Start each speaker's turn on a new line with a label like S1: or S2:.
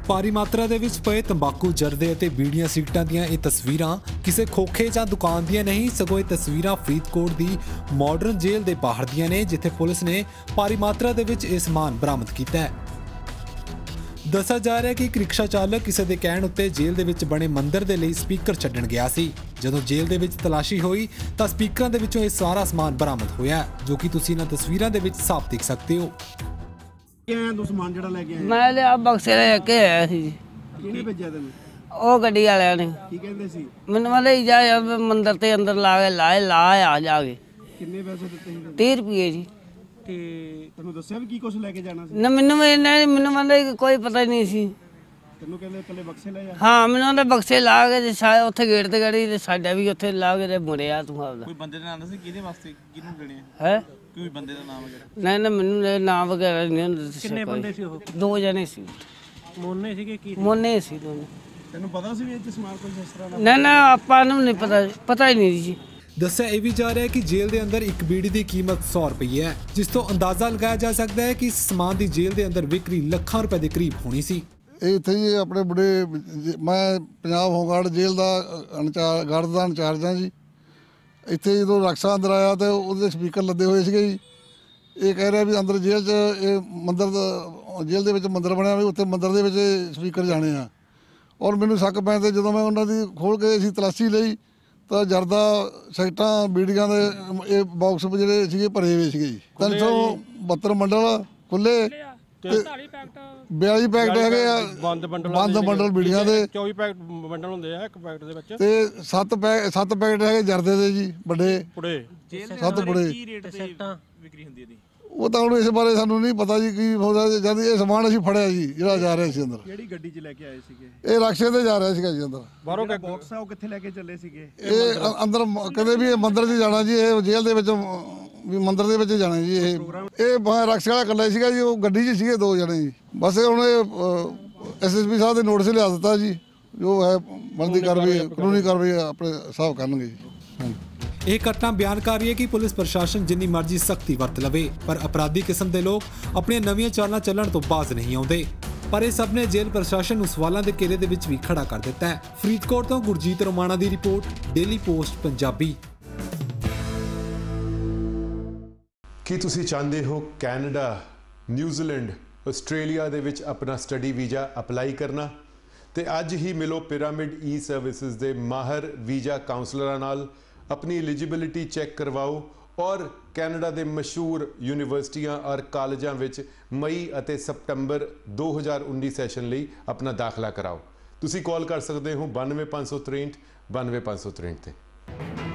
S1: ਭਾਰੀ ਮਾਤਰਾ ਦੇ ਵਿੱਚ ਪਏ ਤੰਬਾਕੂ ਜਰਦੇ ਅਤੇ ਬੀੜੀਆਂ ਸਿਗਰਟਾਂ ਦੀਆਂ ਇਹ ਤਸਵੀਰਾਂ ਕਿਸੇ ਖੋਖੇ ਜਾਂ ਦੁਕਾਨ ਦੀਆਂ ਨਹੀਂ, ਸਗੋਂ ਇਹ ਤਸਵੀਰਾਂ ਫਰੀਦਕੋਟ ਦੀ ਮਾਡਰਨ ਜੇਲ੍ਹ ਦੇ ਬਾਹਰ ਦੀਆਂ ਨੇ, ਜਿੱਥੇ ਪੁਲਿਸ ਨੇ ਭਾਰੀ ਮਾਤਰਾ ਦੇ ਵਿੱਚ ਇਹ ਸਮਾਨ ਬਰਾਮਦ ਕੀਤਾ ਹੈ। ਦੱਸਿਆ ਜਾ ਰਿਹਾ ਕਿ ਇੱਕ ਰਿਕਸ਼ਾ ਚਾਲਕ ਕਿਸੇ ਦੇ ਕਹਿਣ ਉੱਤੇ ਜੇਲ੍ਹ ਦੇ ਵਿੱਚ ਬਣੇ ਮੰਦਿਰ ਦੇ ਲਈ ਸਪੀਕਰ ਛੱਡਣ ਗਿਆ ਸੀ। ਜਦੋਂ ਜੇਲ੍ਹ ਦੇ ਵਿੱਚ ਤਲਾਸ਼ੀ ਹੋਈ ਤਾਂ ਸਪੀਕਰਾਂ ਦੇ ਵਿੱਚੋਂ ਇਹ ਸਾਰਾ ਸਮਾਨ ਬਰਾਮਦ ਹੋਇਆ, ਜੋ ਕਿ ਤੁਸੀਂ ਇਹਨਾਂ ਤਸਵੀਰਾਂ ਦੇ ਵਿੱਚ ਸਾਫ਼ ਦੇਖ ਸਕਦੇ ਹੋ।
S2: ਤੂੰ ਸਮਾਨ ਜਿਹੜਾ ਲੈ ਕੇ ਆਇਆ?
S3: ਮੈਂ ਲਿਆ ਬਕਸੇ ਲੈ ਕੇ ਆਇਆ ਸੀ ਜੀ।
S2: ਕਿਹਨੇ ਭੇਜਿਆ ਤੈਨੂੰ?
S3: ਉਹ ਗੱਡੀ ਵਾਲਿਆਂ ਨੇ।
S2: ਕੀ ਕਹਿੰਦੇ ਸੀ?
S3: ਮੈਨੂੰ ਵਾਲੇ ਜਾ ਯਾਰ ਮੰਦਿਰ ਤੇ ਅੰਦਰ ਲਾ ਆ ਜਾ ਕੇ।
S2: ਕਿੰਨੇ ਪੈਸੇ ਦਿੱਤੇ ਸੀ?
S3: 30 ਰੁਪਏ ਜੀ।
S2: ਤੇ ਤੈਨੂੰ ਦੱਸਿਆ ਵੀ ਕੀ ਕੁਝ ਲੈ ਕੇ ਜਾਣਾ ਸੀ?
S3: ਨਾ ਮੈਨੂੰ ਵਾਲੇ ਕੋਈ ਪਤਾ ਹੀ ਨਹੀਂ ਸੀ।
S2: ਤੈਨੂੰ ਕਹਿੰਦੇ ਇਕੱਲੇ ਬਕਸੇ ਲੈ ਜਾ?
S3: ਹਾਂ, ਮੈਨੂੰ ਉਹਦੇ ਬਕਸੇ ਲਾ ਕੇ ਤੇ ਉੱਥੇ ਗੇਟ ਤੇ ਗੜੀ ਤੇ ਸਾਡਾ ਵੀ ਉੱਥੇ ਲਾ ਕੇ ਤੇ ਮੁੜਿਆ ਤੂੰ ਆਪਦਾ।
S2: ਕੋਈ ਬੰਦੇ ਦਾ ਨਾਮ ਦੱਸ ਕਿਹਦੇ ਵਾਸਤੇ ਕਿਹਨੂੰ ਦੇਣੇ
S3: ਹੈ?
S2: ਕੋਈ ਬੰਦੇ ਦਾ ਨਾਮ ਵਗੈਰਾ?
S3: ਨਹੀਂ ਮੈਨੂੰ ਨਾਮ ਵਗੈਰਾ ਨਹੀਂ ਦੱਸਿਆ।
S2: ਕਿੰਨੇ ਬੰਦੇ ਸੀ ਉਹ?
S3: 2 ਜਣੇ ਸੀ।
S2: ਮੋਨੇ ਸੀਗੇ ਕੀ?
S3: ਮੋਨੇ ਸੀ ਦੋਨੇ।
S2: ਤੈਨੂੰ ਪਤਾ ਸੀ ਵੀ ਇਹ ਚ ਸਮਾਨ ਕੋਈ ਇਸ ਤਰ੍ਹਾਂ ਦਾ?
S3: ਨਾ ਆਪਾਂ ਨੂੰ ਨਹੀਂ ਪਤਾ ਹੀ ਨਹੀਂ ਜੀ।
S1: ਦੱਸਿਆ ਇਹ ਵੀ ਜਾ ਰਿਹਾ ਹੈ ਕਿ ਜੇਲ੍ਹ ਦੇ ਅੰਦਰ ਇੱਕ ਬੀੜੀ ਦੀ ਕੀਮਤ 100 ਰੁਪਏ ਹੈ, ਜਿਸ ਤੋਂ ਅੰਦਾਜ਼ਾ ਲਗਾਇਆ ਜਾ ਸਕਦਾ ਹੈ ਕਿ ਇਸ ਸਮਾਨ ਦੀ ਜੇਲ੍ਹ ਦੇ ਅੰਦਰ ਵਿਕਰੀ ਲੱਖਾਂ ਰੁਪਏ ਦੇ ਕਰੀਬ ਹੋਣੀ ਸੀ।
S4: ਇਹ ਇੱਥੇ ਹੀ ਆਪਣੇ ਬੜੇ ਮੈਂ ਪੰਜਾਬ ਹੋਮਗਾਰਡ ਜੇਲ੍ਹ ਦਾ ਗਾਰਡ ਦਾ ਇੰਚਾਰਜ ਹਾਂ ਜੀ। ਇੱਥੇ ਜਦੋਂ ਰਕਸ਼ਾ ਅੰਦਰ ਆਇਆ ਤਾਂ ਉਹਦੇ ਸਪੀਕਰ ਲੱਦੇ ਹੋਏ ਸੀਗੇ ਜੀ। ਇਹ ਕਹਿ ਰਿਹਾ ਵੀ ਅੰਦਰ ਜੇਲ੍ਹ 'ਚ ਇਹ ਮੰਦਿਰ ਜੇਲ੍ਹ ਦੇ ਵਿੱਚ ਮੰਦਿਰ ਬਣਿਆ ਵੀ ਉੱਥੇ ਮੰਦਿਰ ਦੇ ਵਿੱਚ ਸਪੀਕਰ ਜਾਣੇ ਆ। ਔਰ ਮੈਨੂੰ ਸ਼ੱਕ ਪੈਣ 'ਤੇ ਜਦੋਂ ਮੈਂ ਉਹਨਾਂ ਦੀ ਖੋਲ੍ਹ ਕੇ ਅਸੀਂ ਤਲਾਸ਼ੀ ਲਈ ਤਾਂ ਜਰਦਾ ਸਿਗਰਟਾਂ ਬੀੜੀਆਂ ਦੇ ਇਹ ਬਾਕਸ ਜਿਹੜੇ ਸੀਗੇ ਭਰੇ ਹੋਏ ਸੀਗੇ ਜੀ। 372 ਮੰਡਲ ਖੁੱਲੇ ਤੇ 42 ਪੈਕਟ ਹੈਗੇ ਆ ਬੰਦ ਬੰਡਲ ਬੀੜੀਆਂ ਦੇ।
S5: 24 ਪੈਕਟ ਬੰਡਲ ਹੁੰਦੇ ਆ ਇੱਕ ਪੈਕਟ ਦੇ ਵਿੱਚ
S4: ਤੇ 7 ਪੈਕਟ ਹੈਗੇ ਜਰਦੇ ਦੇ ਜੀ ਵੱਡੇ
S5: ਪੁੜੇ।
S4: 7 ਪੁੜੇ।
S2: ਕੀ ਰੇਟ ਤੇ ਵਿਕਰੀ ਹੁੰਦੀ ਇਹਦੀ?
S4: ਉਹ ਤਾਂ ਹੁਣ ਇਸ ਬਾਰੇ ਸਾਨੂੰ ਨਹੀਂ ਪਤਾ ਜੀ ਕੀ ਹੋ ਰਿਹਾ। ਜਦ ਇਹ ਸਮਾਨ ਅਸੀਂ ਫੜਿਆ ਜੀ ਜਿਹੜਾ ਜਾ ਰਿਹਾ ਸੀ ਅੰਦਰ।
S2: ਕਿਹੜੀ ਗੱਡੀ 'ਚ ਲੈ ਕੇ ਆਏ ਸੀਗੇ?
S4: ਇਹ ਰਕਸ਼ੇ ਤੇ ਜਾ ਰਿਹਾ ਸੀਗਾ ਜੀ ਅੰਦਰ।
S5: ਬਾਹਰੋਂ
S2: ਬਾਕਸ ਆ ਉਹ ਕਿੱਥੇ ਲੈ ਕੇ ਚੱਲੇ ਸੀਗੇ?
S4: ਇਹ ਅੰਦਰ ਕਦੇ ਵੀ ਇਹ ਮੰਦਿਰ 'ਚ ਜਾਣਾ ਜੀ। ਇਹ ਜੇਲ੍ਹ ਦੇ ਵਿੱਚ ਵੀ ਮੰਦਿਰ ਦੇ ਵਿੱਚ ਜਾਣਾ ਜੀ। ਇਹ ਰਕਸ਼ੇ ਵਾਲਾ ਇਕੱਲਾ ਸੀਗਾ ਜੀ। ਉਹ ਗੱਡੀ 'ਚ ਸੀਗੇ 2 ਜਣੇ ਜੀ। ਬਸ ਹੁਣ ਇਹ SSP ਸਾਹਿਬ ਦੇ ਨੋਟਿਸ ਲਿਆ ਦਿੱਤਾ ਜੀ। ਜੋ ਹੈ ਬਣਦੀ ਕਾਰਵਾਈ ਕਾਨੂੰਨੀ ਕਾਰਵਾਈ ਆਪਣੇ ਹਿਸਾਬ ਕਰਨਗੇ ਜੀ। ਹਾਂਜੀ।
S1: ਇਹ ਘਟਨਾ ਬਿਆਨ ਕਰ ਰਹੀ ਹੈ ਕਿ ਪੁਲਿਸ ਪ੍ਰਸ਼ਾਸਨ ਜਿੰਨੀ ਮਰਜ਼ੀ ਸਖਤੀ ਵਰਤ ਲਵੇ, ਪਰ ਅਪਰਾਧੀ ਕਿਸਮ ਦੇ ਲੋਕ ਆਪਣੀਆਂ ਨਵੀਆਂ ਚਾਲਾਂ ਚੱਲਣ ਤੋਂ ਬਾਜ਼ ਨਹੀਂ ਆਉਂਦੇ। ਪਰ ਇਹ ਸਭ ਨੇ ਜੇਲ੍ਹ ਪ੍ਰਸ਼ਾਸਨ ਨੂੰ ਸਵਾਲਾਂ ਦੇ ਘੇਰੇ ਦੇ ਵਿੱਚ ਵੀ ਖੜਾ ਕਰ ਦਿੱਤਾ ਹੈ। ਫਰੀਦਕੋਟ ਤੋਂ ਗੁਰਜੀਤ ਰੋਮਾਣਾ ਦੀ ਰਿਪੋਰਟ, ਡੇਲੀ ਪੋਸਟ ਪੰਜਾਬੀ।
S6: ਕੀ ਤੁਸੀਂ ਚਾਹੁੰਦੇ ਹੋ ਕੈਨੇਡਾ, ਨਿਊਜ਼ੀਲੈਂਡ, ਆਸਟ੍ਰੇਲੀਆ ਦੇ ਵਿੱਚ ਆਪਣਾ ਸਟੱਡੀ ਵੀਜ਼ਾ ਅਪਲਾਈ ਕਰਨਾ? ਤੇ ਅੱਜ ਹੀ ਮਿਲੋ ਪਿਰਾਮਿਡ ਈ ਸਰਵਿਸਿਜ਼ ਦੇ ਮਾਹਰ ਵੀਜ਼ਾ ਕਾਉਂਸਲਰਾਂ ਨਾਲ। अपनी एलिजिबिलिटी चैक करवाओ और कैनेडा के मशहूर यूनिवर्सिटियां और कालजां विच मई और सप्टंबर 2019 सैशन लिए अपना दाखला कराओ। तुसी कॉल कर सकते हो 92 563 92 563 ते।